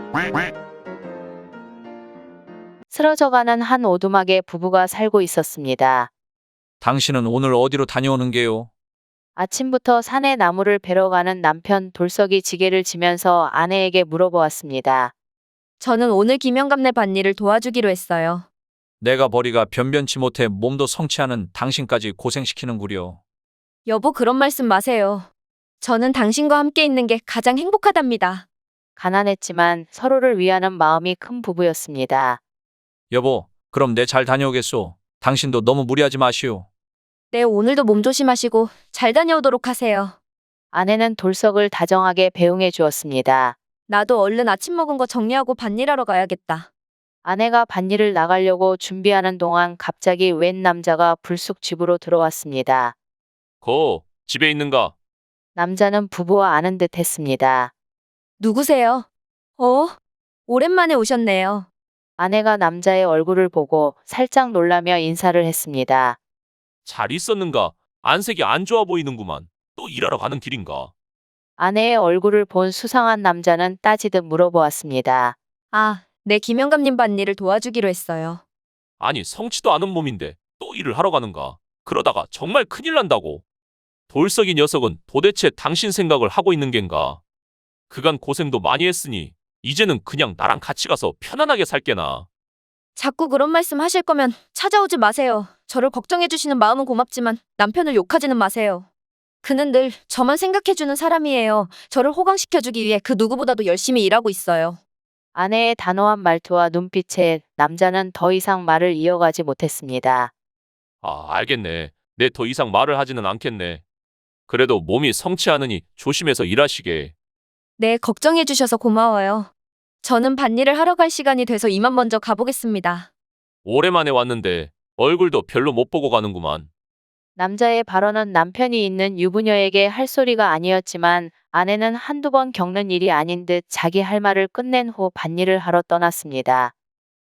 쓰러져가는 한 오두막에 부부가 살고 있었습니다. 당신은 오늘 어디로 다녀오는 게요? 아침부터 산에 나무를 베러 가는 남편 돌석이 지게를 지면서 아내에게 물어보았습니다. 저는 오늘 김영감네 밭일을 도와주기로 했어요. 내가 벌이가 변변치 못해 몸도 성취하는 당신까지 고생시키는구려. 여보, 그런 말씀 마세요. 저는 당신과 함께 있는 게 가장 행복하답니다. 가난했지만 서로를 위하는 마음이 큰 부부였습니다. 여보, 그럼 내 잘 다녀오겠소. 당신도 너무 무리하지 마시오. 네, 오늘도 몸 조심하시고 잘 다녀오도록 하세요. 아내는 돌석을 다정하게 배웅해 주었습니다. 나도 얼른 아침 먹은 거 정리하고 밭일하러 가야겠다. 아내가 밭일을 나가려고 준비하는 동안 갑자기 웬 남자가 불쑥 집으로 들어왔습니다. 집에 있는가? 남자는 부부와 아는 듯 했습니다. 누구세요? 오랜만에 오셨네요. 아내가 남자의 얼굴을 보고 살짝 놀라며 인사를 했습니다. 잘 있었는가? 안색이 안 좋아 보이는구만. 또 일하러 가는 길인가? 아내의 얼굴을 본 수상한 남자는 따지듯 물어보았습니다. 아, 네, 김영감님 밭일을 도와주기로 했어요. 아니, 성치도 않은 몸인데 또 일을 하러 가는가? 그러다가 정말 큰일 난다고. 돌석이 녀석은 도대체 당신 생각을 하고 있는 겐가? 그간 고생도 많이 했으니 이제는 그냥 나랑 같이 가서 편안하게 살게나. 자꾸 그런 말씀 하실 거면 찾아오지 마세요. 저를 걱정해주시는 마음은 고맙지만 남편을 욕하지는 마세요. 그는 늘 저만 생각해주는 사람이에요. 저를 호강시켜주기 위해 그 누구보다도 열심히 일하고 있어요. 아내의 단호한 말투와 눈빛에 남자는 더 이상 말을 이어가지 못했습니다. 아, 알겠네. 내 더 이상 말을 하지는 않겠네. 그래도 몸이 성취하느니 조심해서 일하시게. 네, 걱정해주셔서 고마워요. 저는 밭일을 하러 갈 시간이 돼서 이만 먼저 가보겠습니다. 오랜만에 왔는데 얼굴도 별로 못 보고 가는구만. 남자의 발언은 남편이 있는 유부녀에게 할 소리가 아니었지만 아내는 한두 번 겪는 일이 아닌 듯 자기 할 말을 끝낸 후 밭일을 하러 떠났습니다.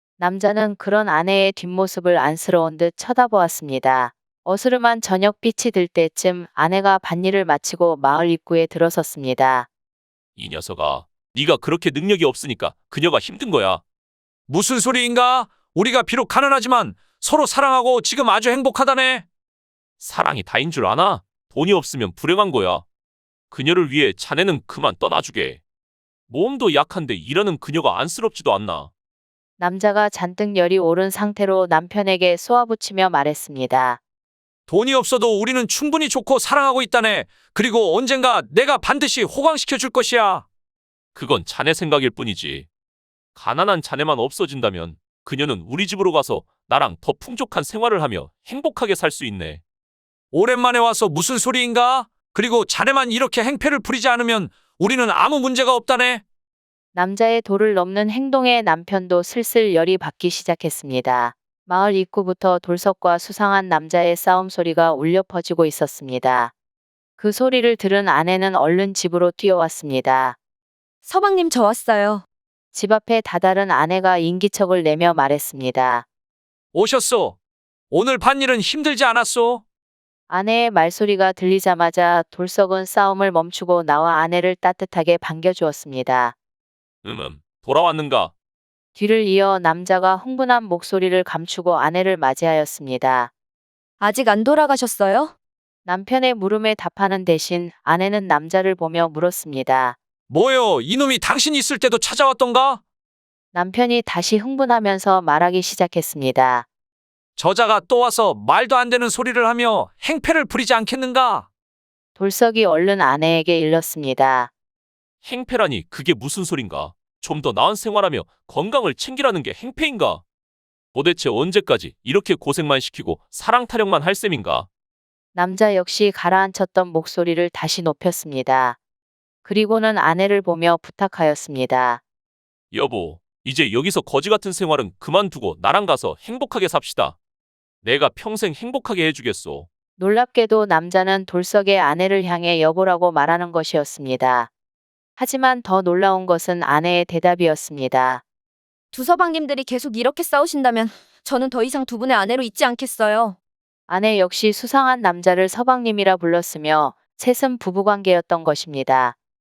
남자는 그런 아내의 뒷모습을 안쓰러운 듯 쳐다보았습니다. 어스름한 저녁빛이 들 때쯤 아내가 밭일을 마치고 마을 입구에 들어섰습니다. 이 녀석아, 네가 그렇게 능력이 없으니까 그녀가 힘든 거야. 무슨 소리인가? 우리가 비록 가난하지만 서로 사랑하고 지금 아주 행복하다네. 사랑이 다인 줄 아나? 돈이 없으면 불행한 거야. 그녀를 위해 자네는 그만 떠나주게. 몸도 약한데 일하는 그녀가 안쓰럽지도 않나. 남자가 잔뜩 열이 오른 상태로 남편에게 쏘아붙이며 말했습니다. 돈이 없어도 우리는 충분히 좋고 사랑하고 있다네. 그리고 언젠가 내가 반드시 호강시켜 줄 것이야. 그건 자네 생각일 뿐이지. 가난한 자네만 없어진다면 그녀는 우리 집으로 가서 나랑 더 풍족한 생활을 하며 행복하게 살 수 있네. 오랜만에 와서 무슨 소리인가? 그리고 자네만 이렇게 행패를 부리지 않으면 우리는 아무 문제가 없다네. 남자의 도를 넘는 행동에 남편도 슬슬 열이 받기 시작했습니다. 마을 입구부터 돌석과 수상한 남자의 싸움 소리가 울려 퍼지고 있었습니다. 그 소리를 들은 아내는 얼른 집으로 뛰어왔습니다. 서방님, 저 왔어요. 집 앞에 다다른 아내가 인기척을 내며 말했습니다. 오셨소. 오늘 밭일은 힘들지 않았소? 아내의 말소리가 들리자마자 돌석은 싸움을 멈추고 나와 아내를 따뜻하게 반겨주었습니다. 돌아왔는가? 뒤를 이어 남자가 흥분한 목소리를 감추고 아내를 맞이하였습니다. 아직 안 돌아가셨어요? 남편의 물음에 답하는 대신 아내는 남자를 보며 물었습니다. 뭐요? 이놈이 당신 있을 때도 찾아왔던가? 남편이 다시 흥분하면서 말하기 시작했습니다. 저자가 또 와서 말도 안 되는 소리를 하며 행패를 부리지 않겠는가? 돌석이 얼른 아내에게 일렀습니다. 행패라니 그게 무슨 소린가? 좀 더 나은 생활하며 건강을 챙기라는 게 행패인가? 도대체 언제까지 이렇게 고생만 시키고 사랑 타령만 할 셈인가? 남자 역시 가라앉혔던 목소리를 다시 높였습니다. 그리고는 아내를 보며 부탁하였습니다. 여보, 이제 여기서 거지 같은 생활은 그만두고 나랑 가서 행복하게 삽시다. 내가 평생 행복하게 해주겠소. 놀랍게도 남자는 돌석의 아내를 향해 여보라고 말하는 것이었습니다. 하지만 더 놀라운 것은 아내의 대답이었습니다. 두 서방님들이 계속 이렇게 싸우신다면 저는 더 이상 두 분의 아내로 있지 않겠어요. 아내 역시 수상한 남자를 서방님이라 불렀으며 셋은 부부관계였던 것입니다.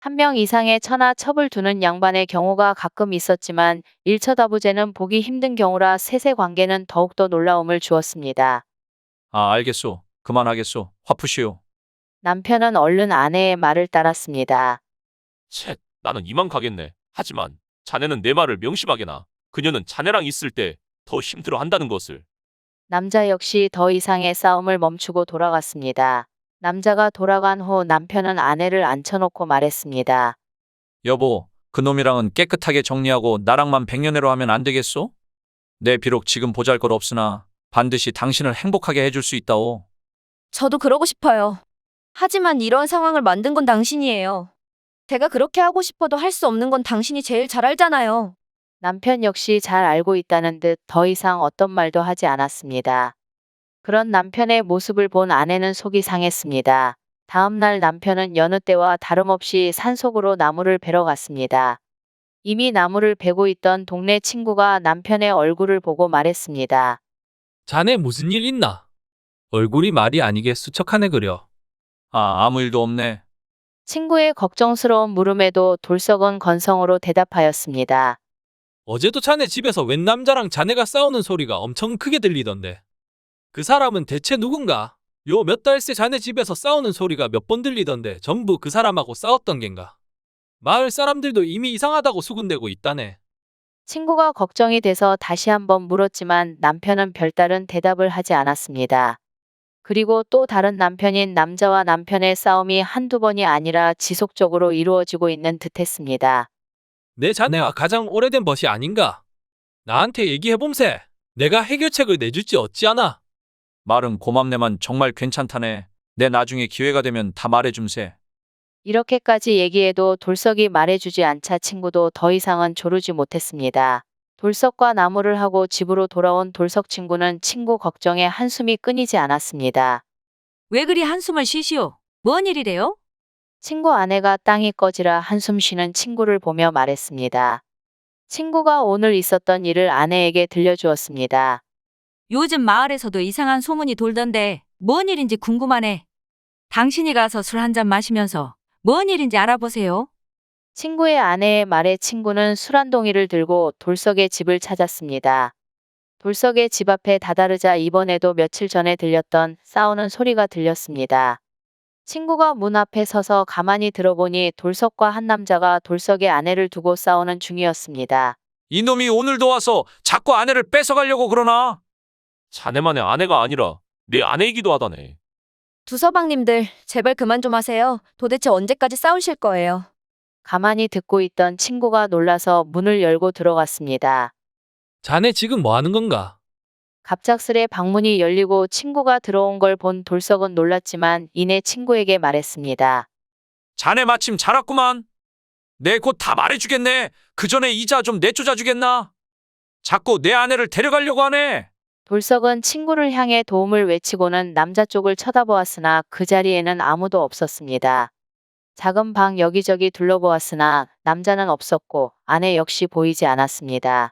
한 명 이상의 처나 첩을 두는 양반의 경우가 가끔 있었지만 일처다부제는 보기 힘든 경우라 세세 관계는 더욱더 놀라움을 주었습니다. 아, 알겠소. 그만하겠소. 화 푸시오. 남편은 얼른 아내의 말을 따랐습니다. 쳇, 나는 이만 가겠네. 하지만 자네는 내 말을 명심하게나. 그녀는 자네랑 있을 때 더 힘들어 한다는 것을. 남자 역시 더 이상의 싸움을 멈추고 돌아갔습니다. 남자가 돌아간 후 남편은 아내를 앉혀놓고 말했습니다. 여보, 그놈이랑은 깨끗하게 정리하고 나랑만 백년해로 하면 안 되겠소? 내 비록 지금 보잘것 없으나 반드시 당신을 행복하게 해줄 수 있다오. 저도 그러고 싶어요. 하지만 이런 상황을 만든 건 당신이에요. 제가 그렇게 하고 싶어도 할 수 없는 건 당신이 제일 잘 알잖아요. 남편 역시 잘 알고 있다는 듯 더 이상 어떤 말도 하지 않았습니다. 그런 남편의 모습을 본 아내는 속이 상했습니다. 다음 날 남편은 여느 때와 다름없이 산속으로 나무를 베러 갔습니다. 이미 나무를 베고 있던 동네 친구가 남편의 얼굴을 보고 말했습니다. 자네 무슨 일 있나? 얼굴이 말이 아니게 수척하네 그려. 아, 아무 일도 없네. 친구의 걱정스러운 물음에도 돌석은 건성으로 대답하였습니다. 어제도 자네 집에서 웬 남자랑 자네가 싸우는 소리가 엄청 크게 들리던데. 그 사람은 대체 누군가? 요 몇 달 새 자네 집에서 싸우는 소리가 몇 번 들리던데 전부 그 사람하고 싸웠던 겐가? 마을 사람들도 이미 이상하다고 수군대고 있다네. 친구가 걱정이 돼서 다시 한번 물었지만 남편은 별다른 대답을 하지 않았습니다. 그리고 또 다른 남편인 남자와 남편의 싸움이 한두 번이 아니라 지속적으로 이루어지고 있는 듯했습니다. 내 자네와 가장 오래된 벗이 아닌가? 나한테 얘기해봄세. 내가 해결책을 내줄지 어찌하나? 말은 고맙네만 정말 괜찮다네. 내 나중에 기회가 되면 다 말해줌세. 이렇게까지 얘기해도 돌석이 말해주지 않자 친구도 더 이상은 조르지 못했습니다. 돌석과 나무를 하고 집으로 돌아온 돌석 친구는 친구 걱정에 한숨이 끊이지 않았습니다. 왜 그리 한숨을 쉬시오? 뭔 일이래요? 친구 아내가 땅이 꺼지라 한숨 쉬는 친구를 보며 말했습니다. 친구가 오늘 있었던 일을 아내에게 들려주었습니다. 요즘 마을에서도 이상한 소문이 돌던데 뭔 일인지 궁금하네. 당신이 가서 술 한 잔 마시면서 뭔 일인지 알아보세요. 친구의 아내의 말에 친구는 술 한 동이를 들고 돌석의 집을 찾았습니다. 돌석의 집 앞에 다다르자 이번에도 며칠 전에 들렸던 싸우는 소리가 들렸습니다. 친구가 문 앞에 서서 가만히 들어보니 돌석과 한 남자가 돌석의 아내를 두고 싸우는 중이었습니다. 이놈이 오늘도 와서 자꾸 아내를 뺏어가려고 그러나? 자네만의 아내가 아니라 내 아내이기도 하다네. 두 서방님들, 제발 그만 좀 하세요. 도대체 언제까지 싸우실 거예요? 가만히 듣고 있던 친구가 놀라서 문을 열고 들어갔습니다. 자네 지금 뭐 하는 건가? 갑작스레 방문이 열리고 친구가 들어온 걸 본 돌석은 놀랐지만 이내 친구에게 말했습니다. 자네 마침 잘 왔구만. 내 곧 다 말해주겠네. 그 전에 이자 좀 내쫓아주겠나? 자꾸 내 아내를 데려가려고 하네. 돌석은 친구를 향해 도움을 외치고는 남자 쪽을 쳐다보았으나 그 자리에는 아무도 없었습니다. 작은 방 여기저기 둘러보았으나 남자는 없었고 아내 역시 보이지 않았습니다.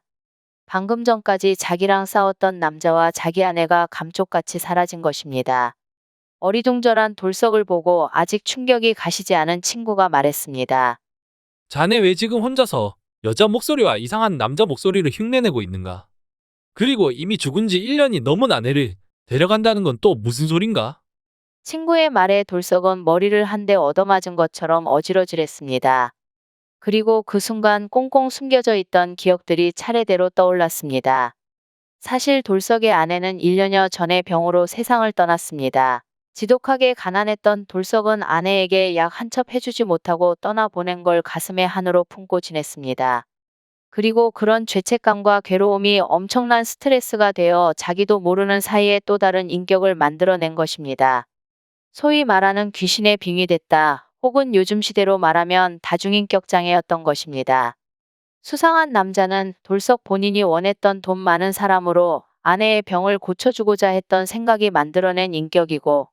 방금 전까지 자기랑 싸웠던 남자와 자기 아내가 감쪽같이 사라진 것입니다. 어리둥절한 돌석을 보고 아직 충격이 가시지 않은 친구가 말했습니다. 자네 왜 지금 혼자서 여자 목소리와 이상한 남자 목소리를 흉내내고 있는가? 그리고 이미 죽은 지 1년이 넘은 아내를 데려간다는 건 또 무슨 소린가? 친구의 말에 돌석은 머리를 한 대 얻어맞은 것처럼 어지러질했습니다. 그리고 그 순간 꽁꽁 숨겨져 있던 기억들이 차례대로 떠올랐습니다. 사실 돌석의 아내는 1년여 전에 병으로 세상을 떠났습니다. 지독하게 가난했던 돌석은 아내에게 약 한 첩 해주지 못하고 떠나보낸 걸 가슴에 한으로 품고 지냈습니다. 그리고 그런 죄책감과 괴로움이 엄청난 스트레스가 되어 자기도 모르는 사이에 또 다른 인격을 만들어낸 것입니다. 소위 말하는 귀신에 빙의됐다, 혹은 요즘 시대로 말하면 다중인격 장애였던 것입니다. 수상한 남자는 돌석 본인이 원했던 돈 많은 사람으로 아내의 병을 고쳐주고자 했던 생각이 만들어낸 인격이고,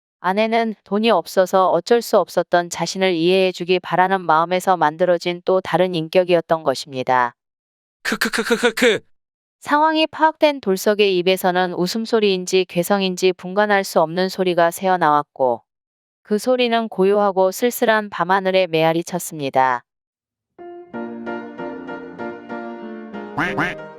아내는 돈이 없어서 어쩔 수 없었던 자신을 이해해주기 바라는 마음에서 만들어진 또 다른 인격이었던 것입니다. 크크크크크크. 상황이 파악된 돌석의 입에서는 웃음소리인지 괴성인지 분간할 수 없는 소리가 새어나왔고, 그 소리는 고요하고 쓸쓸한 밤하늘에 메아리 쳤습니다. quack quack